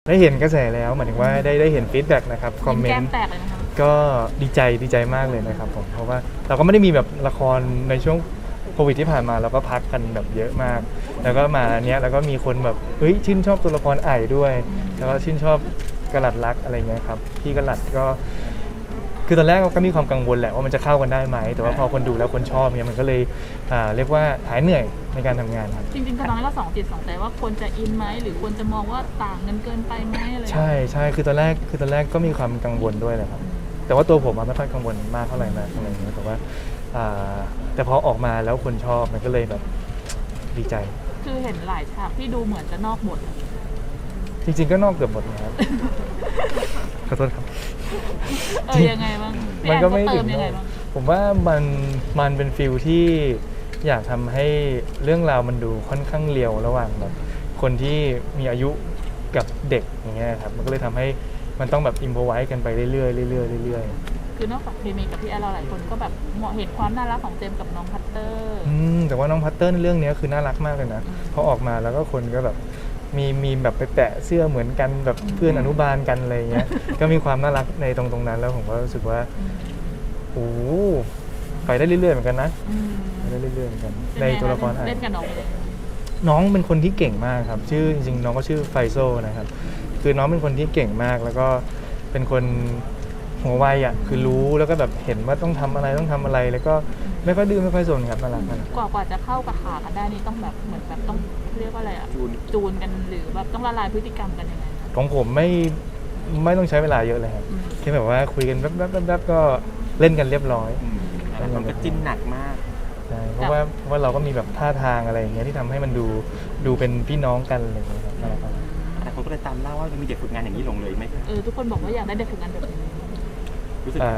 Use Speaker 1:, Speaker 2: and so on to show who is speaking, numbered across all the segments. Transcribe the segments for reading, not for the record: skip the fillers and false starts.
Speaker 1: ได้เห็นกระแสแล้วหมายถึงว่าได้เห็นฟีดแบ็กนะครับคอมเมนต์
Speaker 2: แก้มแตกเลยนะคะ
Speaker 1: ก็ดีใจมากเลยนะครับผมเพราะว่าเราก็ไม่ได้มีแบบละครในช่วงโควิดที่ผ่านมาเราก็พักกันแบบเยอะมาก แล้วก็มาเนี้ยแล้วก็มีคนแบบเฮ้ยชื่นชอบตัวละครไอ่ด้วยแล้วก็ชื่นชอบกระหลัดรักอะไรเงี้ยครับพี่กระหลัดก็คือตอนแรกก็มีความกังวลแหละว่ามันจะเข้ากันได้ไหมแต่ว่าพอคนดูแล้วคนชอบเนี่ยมันก็เลยเรียกว่าหายเหนื่อยในการทำงานครับ
Speaker 2: จริงๆตอนนั้นเราสองจิตสองใจว่าควรจะอินไหมหรือควรจะมองว่าต่างเงินเกินไปไหมอะไร
Speaker 1: ใช่คือตอนแรกก็มีความกังวลด้วยแหละครับแต่ว่าตัวผมไม่ค่อยกังวลมากเท่าไหร่นะอะไรอย่างเงี้ยแต่ว่าแต่พอออกมาแล้วคนชอบมันก็เลยแบบดีใจ
Speaker 2: คือเห็นหลายฉากที่ดูเหมือนจะนอกบท
Speaker 1: จริงๆก็นอกเกือบหมดนะครับขอโทษครับ
Speaker 2: ยังไงบ้าง
Speaker 1: มันก็ไม่ถึง
Speaker 2: ยังไงบ้าง
Speaker 1: ผมว่ามันเป็นฟิลที่อยากทำให้เรื่องราวมันดูค่อนข้างเรียวระหว่างแบบคนที่มีอายุกับเด็กอย่างเงี้ยครับมันก็เลยทำให้มันต้องแบบอิมพอไว้กันไปเรื่อยๆ
Speaker 2: คือนอกจากเคมีกับพี่แอนเราหลายคนก็แบบเหมาะเห็นความน่ารักของเจมกับน้องพัตเตอร์
Speaker 1: แต่ว่าน้องพัตเตอร์ในเรื่องนี้คือน่ารักมากเลยนะพอออกมาแล้วก็คนก็แบบมีแบบไปแปะเสื้อเหมือนกันแบบเพื่อนอนุบาลกันอะไรเงี้ยก็มีความน่ารักในตรงนั้นแล้วผมก็รู้สึกว่าโอ้ไปได้เรื่อยๆเหมือนกันนะไปได้เรื่อยๆเหมือนกันในตัวละคร
Speaker 2: เล่นกับ
Speaker 1: น้องเป็นคนที่เก่งมากครับชื่อจริงๆน้องก็ชื่อไฟโซนะครับคือน้องเป็นคนที่เก่งมากแล้วก็เป็นคนหัวไวอ่ะคือรู้แล้วก็แบบเห็นว่าต้องทำอะไรแล้วก็ไม่ค่อยดื้อไม่ค่อยสนครับน่ารัก
Speaker 2: กว่าจะเข้ากับขากันได้นี่ต้องแบบเหมือนแบบต้องเรียกว่าอะไรอ่ะจูนกันหรือแบบต้องละลายพฤติกรรมกันยังไง
Speaker 1: ของผมไม่ต้องใช้เวลาเยอะเลยครับแค่แบบว่าคุยกันแป๊บก็เล่นกันเรียบร้อย
Speaker 3: มันก็จิ้นหนักมาก
Speaker 1: ใช่เพราะว่าเราก็มีแบบท่าทางอะไรอย่างเงี้ยที่ทำให้มันดูเป็นพี่น้องกันอะไรอย่างเงี้ยครับ
Speaker 3: แต่คนก็เลยตามเล่าว่ามีเด็กฝึกงานอย่างนี้ลงเลยไหม
Speaker 2: ทุกคนบอกว่าอยากได้เด็กฝึกงานแบบนี้
Speaker 3: รู้สึก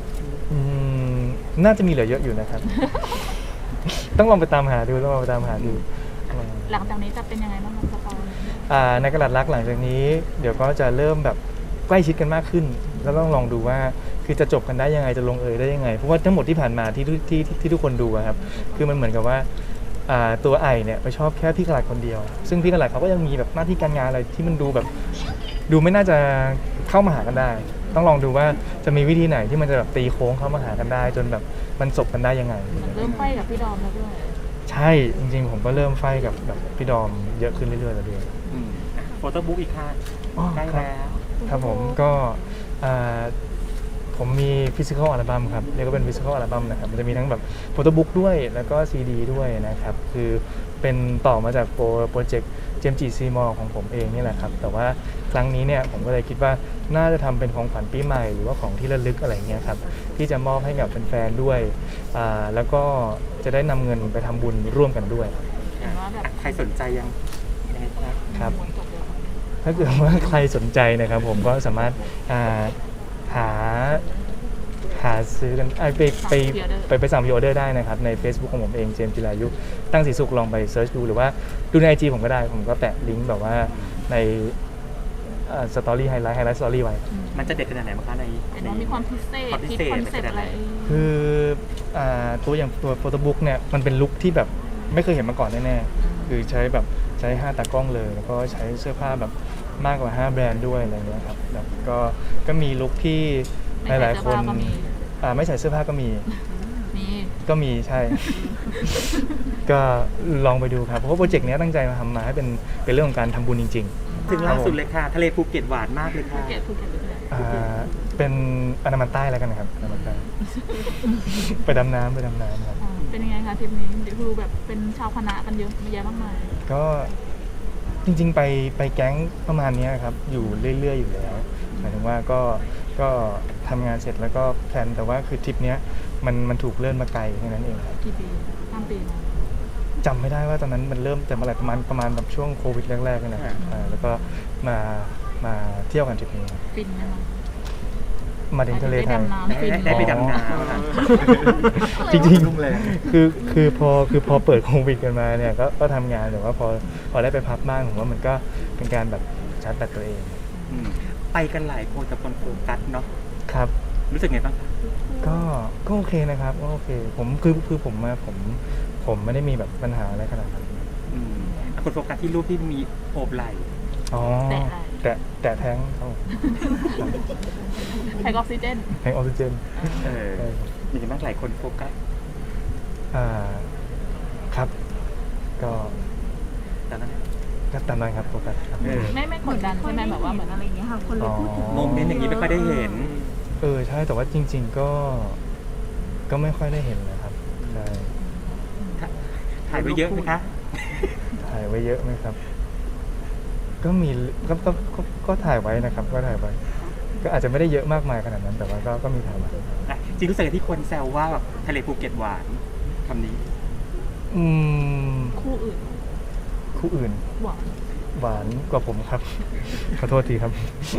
Speaker 1: น่าจะมีเหลือเยอะอยู่นะครับ ต้องลองไปตามหาดู
Speaker 2: หลังจากนี้จะเป็นยังไงบ้างครับสปอย
Speaker 1: ในกระดาษรักหลังจากนี้เดี๋ยวก็จะเริ่มแบบใกล้ชิดกันมากขึ้นแล้วต้องลองดูว่าคือจะจบกันได้ยังไงจะลงเอยได้ยังไงเพราะว่าทั้งหมดที่ผ่านมาที่ทุกคนดูครับคือมันเหมือนกับว่าตัวไอเนี่ยไปชอบแค่พี่กระดาษคนเดียวซึ่งพี่กระดาษเขาก็ยังมีแบบหน้าที่การงานอะไรที่มันดูแบบดูไม่น่าจะเข้ามาหากันได้ต้องลองดูว่าจะมีวิธีไหนที่มันจะแบบตีโค้งเข้ามาหากันได้จนแบบมันจบกันได้ยังไง
Speaker 2: เริ่มไฟกับพี่ดอมแล้วด้วย
Speaker 1: ใช่จริงๆผมก็เริ่มไฟกับแบบพี่ดอมเยอะขึ้นเรื่อยๆแล้วด้วย
Speaker 3: โฟโต้บุ๊กอีกค่ะใกล้แล้ว
Speaker 1: ครับผมก็ผมมีฟิสิกอลอัลบั้มครับเรียกว่าเป็นฟิสิกอลอัลบั้มนะครับมันจะมีทั้งแบบโฟโต้บุ๊กด้วยแล้วก็ซีดีด้วยนะครับคือเป็นต่อมาจากโปรเจกต์เจมส์จีซีมอของผมเองนี่แหละครับแต่ว่าครั้งนี้เนี่ยผมก็เลยคิดว่าน่าจะทำเป็นของขวัญปีใหม่หรือว่าของที่ระลึกอะไรเงี้ยครับที่จะมอบให้กับแฟนๆด้วยแล้วก็จะได้นำเงินไปทำบุญร่วมกันด้วย
Speaker 3: ใครสนใจยัง
Speaker 1: ครับถ้าเกิดว่าใครสนใจนะครับผมก็สามารถหาซื้อกันไปสั่งพรีออเดอร์ได้นะครับใน Facebook ของผมเองเจมส์จิรายุตั้งสีสุขลองไปเซิร์ชดูหรือว่าดูใน IG ผมก็ได้ผมก็แปะลิงก์แบบว่าในสตอรี่ไฮไลท์สตอรี่ไว้
Speaker 3: มันจะเด็ดขนาดไหนบ้างคะใน
Speaker 2: มีความพิเศษคิดคอนเซ็ปต์อะไร
Speaker 1: คือตัวอย่างตัวโฟโต้บุ๊กเนี่ยมันเป็นลุคที่แบบไม่เคยเห็นมาก่อนแน่ๆคือใช้5ตากล้องเลยแล้วก็ใช้เสื้อผ้าแบบมากกว่า5แบรนด์ด้วยอะไรเงี้ยครับแล้วก็มีลุคที่หลายๆคนไม่ใส่เสื้อผ้าก็มีใช่ ก็ลองไปดูครับเพราะว่าโปรเจกต์นี้ตั้งใจมาทำมาให้เป็นเรื่องของการทำบุญจริง
Speaker 3: ๆถึงล่าสุดเลยค่ะทะเลภูเก็ตหวานมากเลยค่ะ
Speaker 1: เป็นอันดามันใต้แล้วกันครับอันดามันใต้ไปดำน้ำครับ
Speaker 2: เป็นยังไงคะทริปนี้ดูแบบเป็นชาวคณะกันเยอะแยะมากมาย
Speaker 1: ก็จริงๆไปแก๊งประมาณนี้ครับอยู่เรื่อยๆอยู่แล้วหมายถึงว่าก็ทำงานเสร็จแล้วก็แพลนแต่ว่าคือทริปนี้มันถูกเลื่อนมาไกลแค่นั้นเองครับ
Speaker 2: กี่ปี3 ปี
Speaker 1: จำไม่ได้ว่าตอนนั้นมันเริ่มแต่เมื่อไหร่ประมาณแบบช่วงโควิดแรกๆนะครับแล้วก็มาเที่ยวกันทริปนี้
Speaker 2: ฟินไหมคะ
Speaker 1: มาถึงทะเลไทย
Speaker 3: ได้ไปดำน้
Speaker 1: ำจริงๆคือพอเปิดโควิดกันมาเนี่ยก็ทำงานแต่ว่าพอได้ไปพักบ้างผมว่ามันก็เป็นการแบบชาร์จแบตตัวเอง
Speaker 3: ไปกันหลายคนกับคนโฟกัสเนาะ
Speaker 1: ครับ
Speaker 3: รู้สึกไงบ้าง
Speaker 1: ก็โอเคนะครับก็โอเคผมคือผมไม่ได้มีแบบปัญหาอะไรขนาดนั้น
Speaker 3: คนโฟกัสที่รูปที่มีโอบไหล่
Speaker 1: แตะแท้งครับผม
Speaker 2: แทนออกซิเจน
Speaker 1: แท้งออกซิเจน
Speaker 3: เออ
Speaker 1: ใช่ครับ
Speaker 3: มีกันบ้างหลายคนโฟกัส
Speaker 1: ครับ ก็
Speaker 3: แต่นั้น
Speaker 1: ก็ตามนั้นครับโฟกัสครับ
Speaker 3: เออ
Speaker 2: ไม่กดดันใช่ไหมแบบว่าเหมือน
Speaker 4: อะไรอย่างเงี้ยค่ะ คนเลยพูดถึง
Speaker 3: โมเมนต์อย่างนี้ไม่ค่อยได้เห็น
Speaker 1: ใช่แต่ว่าจริง ๆก็ไม่ค่อยได้เห็นนะครับใช่
Speaker 3: ถ่ายไว้เยอะไหมคะ
Speaker 1: ถ่ายไว้เยอะไหมครับ ก็มีก็ถ่ายไว้นะครับ ก็ถ่ายไว้ ก็อาจจะไม่ได้เยอะมากมายขนาดนั้น แต่ว่าก็มีถ่ายไว้
Speaker 3: อ่ะจริงรู้สึกที่คนแซวว่าแบบทะเลภูเก็ตหวานคำนี้
Speaker 1: อืม
Speaker 2: คู่อื่น
Speaker 1: คู่อื่น
Speaker 2: หวัง
Speaker 1: หวานกว่าผมครับ ขอโทษทีครับ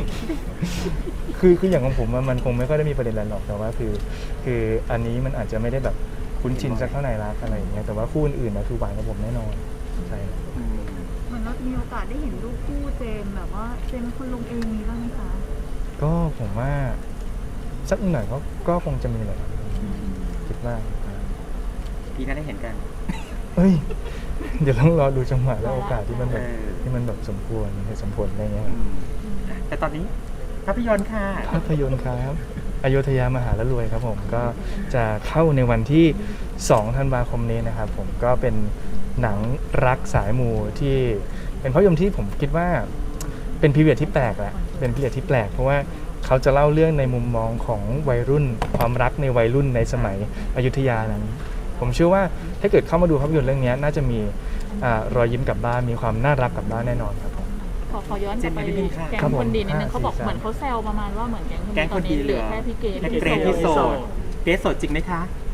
Speaker 1: คืออย่างของผมอะมันคงไม่ค่อยได้มีประเด็นอะไรหรอกแต่ว่าคืออันนี้มันอาจจะไม่ได้แบบคุ้นชินสักเท่าไหร่รักอะไรอย่างเงี้ยแต่ว่าคู่อื่นๆนะคือหวานกับผมแน่นอนใช่ครับ
Speaker 4: เหมือนเราจะมีโอกาสได้เห็นรูปคู่เจมส์แบบว่าเจมส์เป็นคนลงเองมีบ้างไหมคะ
Speaker 1: ก็ผมว่าสักหน่อยก็คงจะมีแหละครับคิดว่า
Speaker 3: ปีหน้าได้เห็นกัน
Speaker 1: เฮ้ย เดี๋ยวต้องรอดูจังหวะและโอกาสที่มันแบบ
Speaker 3: เออ
Speaker 1: ที่มันแบบสมควรเหตุสมผลอะไรเงี้ย
Speaker 3: อืมแต่ตอนนี้ภาพยนตร์ค่ะ
Speaker 1: ภาพยนตร์ครับอโยธยามหาละรวยครับผมก็จะเข้าในวันที่2ธันวาคมนี้นะครับผมก็เป็นหนังรักสายมูที่เป็นภาพยนตร์ที่ผมคิดว่าเป็นพีเรียดที่แปลกแหละเป็นพีเรียดที่แปลกเพราะว่าเขาจะเล่าเรื่องในมุมมองของวัยรุ่น ความรักในวัยรุ่นในสมัยอยุธยานั้น ผมเชื่อว่าถ้าเกิดเข้ามาดูภาพยนตร์เรื่องนี้น่าจะมีรอยยิ้มกลับบ้านมีความน่ารักกลับบ้านแน่นอนครับผม
Speaker 2: ขอย้อนกลับไปแก๊ง
Speaker 1: ครับผม
Speaker 2: คนดีนิดนึง
Speaker 1: 5
Speaker 2: เขาบอก
Speaker 1: 4 3
Speaker 2: เหมือนเขาแซวประมาณว่าเหมือนแก๊ง
Speaker 3: แก๊ง
Speaker 2: ต
Speaker 3: ค
Speaker 2: อน
Speaker 3: น
Speaker 2: นี้
Speaker 3: ดี
Speaker 2: เหลือแค่พี่เกด
Speaker 3: แค่เกรนที่โสดเกรนโสดจริงไหมคะ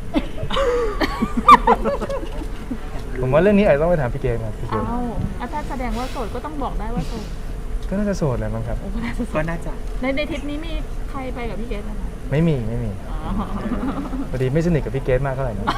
Speaker 1: ผมว่าเรื่องนี้อาจจะต้องไปถามพี่เกมครับพี่เก
Speaker 2: อ้าม วถ้าแสดงว่าโสดก็ต้องบอกได้ว่าโสด
Speaker 1: ก็น่าจะโสดแหละมั้งครับ
Speaker 2: โอ้ก็น่าจะโส
Speaker 3: ก็
Speaker 2: ด
Speaker 3: น่าจะ
Speaker 2: ในทริปนี้มีใครไปกับพี่เกดไหมคะ
Speaker 1: ไม่มี
Speaker 2: อ๋อ
Speaker 1: พอดีไม่สนิทกับพี่เกมมากเท่าไหร่นะ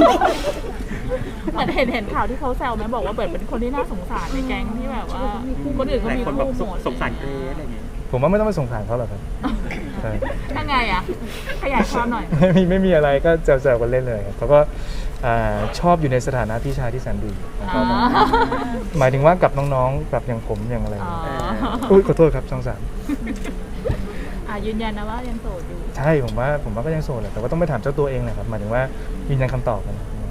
Speaker 2: เหมือนเห็นข่าวที่เขาแซวไหมบอกว่าแบบเป็นคนที่น่าสงสารในแก๊งที่แบบว่าคนอื่น
Speaker 3: ห
Speaker 2: เขา
Speaker 3: ลาย
Speaker 2: มี
Speaker 3: คนแบบ
Speaker 2: คู่หมด
Speaker 3: สงสารเกรนอะไรอย่างเงี้ย
Speaker 1: ผมว่าไม่ต้องไปสงสารเขาหรอกครับใช่
Speaker 2: ยังไงอ่ะขยายความหน่อย
Speaker 1: ไม่มีอะไรก็แซวๆกันเล่นเลยครับเขาก็ชอบอยู่ในสถานะพี่ชายที่แสนดีนะครับ
Speaker 2: อ๋อ
Speaker 1: หมายถึงว่ากับน้องๆกับอย่างผมอย่างอะไร
Speaker 2: อ๋อ
Speaker 1: อุ้ยขอโทษครับช่องสาม
Speaker 2: ยืนยันนะว่ายังโสดอยู่
Speaker 1: ใช่ผมว่าก็ยังโสดแหละแต่ว่าต้องไปถามเจ้าตัวเองแหละครับหมายถึงว่ายืนยันคำตอบกัน